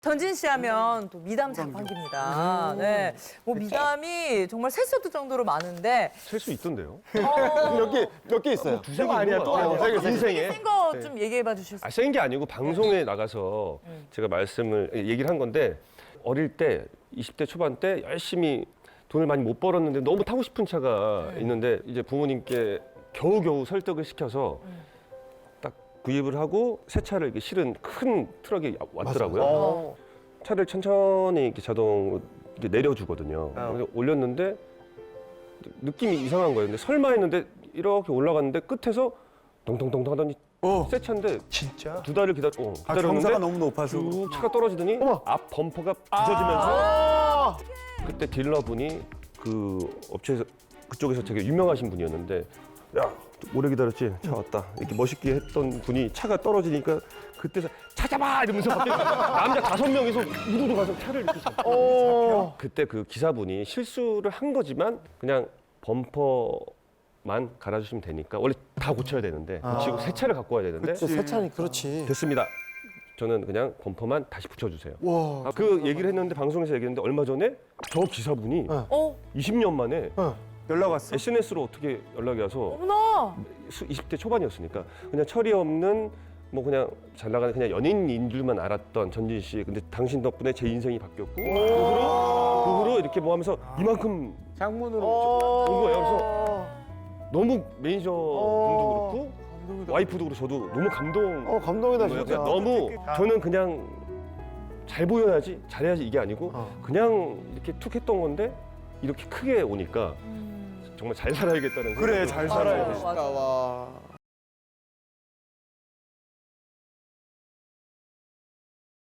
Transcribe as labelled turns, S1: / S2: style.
S1: 전진 씨 하면 또 미담 자판기입니다. 네. 뭐 미담이 정말 셀 수 없을 정도로 많은데.
S2: 셀 수 있던데요?
S3: 몇 개 있어요.
S2: 두세 개 아니야 또 인생에.
S1: 센 거 좀 얘기해 봐 주실 수 있어요?
S2: 센 게 아니고 방송에 나가서 제가 얘기를 한 건데 어릴 때 20대 초반 때 열심히 돈을 많이 못 벌었는데 너무 타고 싶은 차가 있는데 이제 부모님께 겨우겨우 설득을 시켜서 딱 구입을 하고 새 차를 이렇게 실은 큰 트럭이 왔더라고요. 차를 천천히 이렇게 자동으로 이렇게 내려주거든요. 그래서 올렸는데 느낌이 이상한 거예요. 근데 설마 했는데 이렇게 올라갔는데 끝에서 동동동동 하더니 새 차인데
S3: 진짜?
S2: 두 달을 기다렸는데
S3: 경사가 너무 높아서.
S2: 쭉 차가 떨어지더니 앞 범퍼가 부서지면서 그때 딜러분이 그 업체에서 그쪽에서 되게 유명하신 분이었는데 야 오래 기다렸지? 차 왔다 이렇게 멋있게 했던 분이 차가 떨어지니까 그때서 찾아봐 이러면서 갑자기 남자 5명이서 우르르 가서 차를 이렇게 잡고 그때 그 기사분이 실수를 한 거지만 그냥 범퍼만 갈아주시면 되니까 원래 다 고쳐야 되는데 고치고 새 차를 갖고 와야 되는데
S3: 세차니 그렇지.
S2: 됐습니다. 저는 그냥 범퍼만 다시 붙여주세요. 그 얘기를 했는데 방송에서 얘기했는데 얼마 전에 저 기사분이 20년 만에
S3: 연락 왔어?
S2: SNS로 어떻게 연락이 와서
S1: 어머나.
S2: 20대 초반이었으니까 그냥 철이 없는 뭐 그냥 잘 나가는 그냥 연예인인 줄만 알았던 전진 씨. 근데 당신 덕분에 제 인생이 바뀌었고 그 후로 이렇게 뭐 하면서 이만큼
S3: 장문으로
S2: 온 거예요. 그래서 너무 매니저 분도 그렇고 와이프도 그렇고 저도 너무
S3: 감동이다
S2: 거예요.
S3: 진짜.
S2: 그냥 너무 저는 그냥 잘 보여야지 잘해야지 이게 아니고 그냥 이렇게 툭 했던 건데 이렇게 크게 오니까 정말 잘 살아야겠다는
S3: 그래
S2: 생각이
S3: 잘 살아야 돼.
S1: 맞아.
S3: 와.